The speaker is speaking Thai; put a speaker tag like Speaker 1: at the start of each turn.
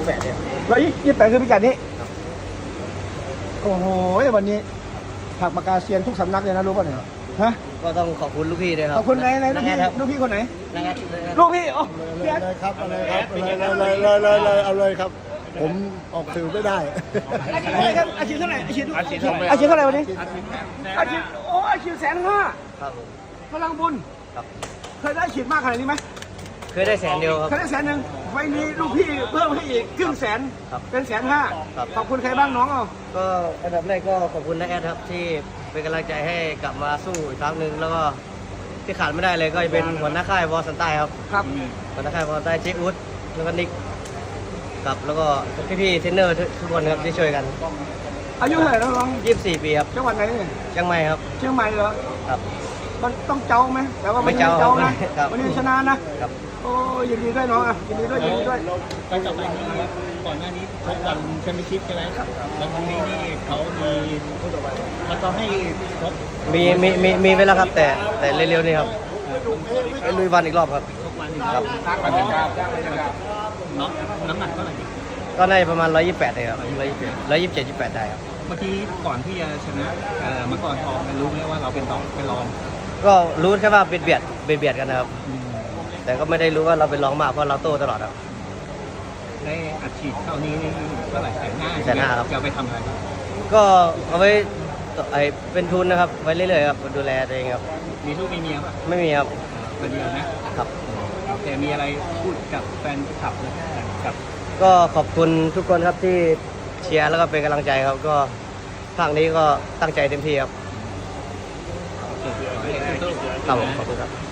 Speaker 1: 128เนี่ย
Speaker 2: 128คือพิกัดนี้โอ้โหวันนี้ผักปากกาเซียนทุกสำนักเลยนะรู้ป่ะเนี่ยฮะ
Speaker 1: ก็ต้องขอบคุณลูกพี่ด้วยครับ
Speaker 2: ขอบคุณไหนลูกพี่
Speaker 1: ครับ
Speaker 2: ลูกพี่คนไหน
Speaker 1: นะครับ
Speaker 2: ลูกพี่โอ้
Speaker 3: เลยครับเอาเลยครับเอาเลยครับ ผมออกสื่อไม่ได้
Speaker 2: อาชีพเท่าไหร่อาชีพเท่าไหร่วันนี้อาชีพโอ้อาชีพ150,000
Speaker 1: ครับผม
Speaker 2: พลังบุญ
Speaker 1: ครับ
Speaker 2: เคยได้อาชีพมากขนาดนี้ไหม
Speaker 1: เคยได้100,000ครับ
Speaker 2: เคยได้100,000ไฟนี้ลูกพี่เพิ่มให้อีกครึ่งแสน
Speaker 1: ครับ
Speaker 2: เป็น150,000
Speaker 1: ครับ
Speaker 2: ขอบคุณใครบ้างน้องเอา
Speaker 1: ก็อันดับแรกก็ขอบคุณน้าแอดครับที่เป็นกำลังใจให้กลับมาสู้อีกครั้งหนึ่งแล้วก็ที่ขาดไม่ได้เลยก็จะเป็นหัวหน้าค่ายวอลสันใต้ครับ
Speaker 2: ครับ
Speaker 1: หัวหน้าค่ายวอลสันใต้เจ๊อุ๊ดแล้วก็นิกครับแล้วก็พี่ๆเทรนเนอร์ทุกคนครับที่ช่วยกัน
Speaker 2: อายุเท่าไหร่แล้วน้อง
Speaker 1: 24 ปีครับ
Speaker 2: จังหวัดไหนเนี่ย
Speaker 1: เชียงใหม่ครับ
Speaker 2: เชียงใหม่เหรอ
Speaker 1: ครับ
Speaker 2: มันต้องเจ้าไหมแต่ว่า
Speaker 1: ไม่เจ้า
Speaker 2: เจ้านะครับ วันนี้ชนะนะครับ โอ้ยินดีด้วยน้องอ่ะยินดีด้วยยินดีด้วย
Speaker 4: การกลับมานี้ก่อนหน้านี้ชกวันแชมเปี้ยนชิพใช่ไหมแล้วครั้งนี้นี่เขามีมันต้องให้ชก
Speaker 1: มีไปแล้วครับแต่เร็วๆนี่ครับไปลุยวันอีกรอบครับ
Speaker 4: ชกวันอีก
Speaker 1: ครับ
Speaker 4: บรรยากาศเนาะน้ำหนักเท่าไหร่
Speaker 1: ก็ได้ประมาณ128เลยครับ127 28ได้ครับ
Speaker 4: เมื่อกี้ก่อนที่จะชนะมังกรทองรู้ไหมว่าเราเป็นรอง
Speaker 1: ก็รู้แค่ว่าเบียดกันนะครับ แต่ก็ไม่ได้รู้ว่าเราเป็นรองมากเพราะเราโต้ตลอดครับ
Speaker 4: ได้อัดฉีดเท่านี้นี่เท่าไหร่150,000
Speaker 1: 150,000ครับ
Speaker 4: จะเอาไปทำอะไร
Speaker 1: ก็เอาไว้เป็นทุนนะครับไว้เรื่อยๆครับดูแลตัวเองครับ
Speaker 4: มีลูกมีเมียป่ะ
Speaker 1: ไม่มีครับ
Speaker 4: คนเดียวนะครับ แต่มีอะไรพูดกับแฟนคลับนะกับ
Speaker 1: ก็ขอบคุณทุกคนครับที่เชียร์แล้วก็เป็นกำลังใจครับ ก็ภาคนี้ก็ตั้งใจเต็มที่ครับ
Speaker 4: ขอให้สู้ๆ
Speaker 1: ครับผมขอบคุณครับ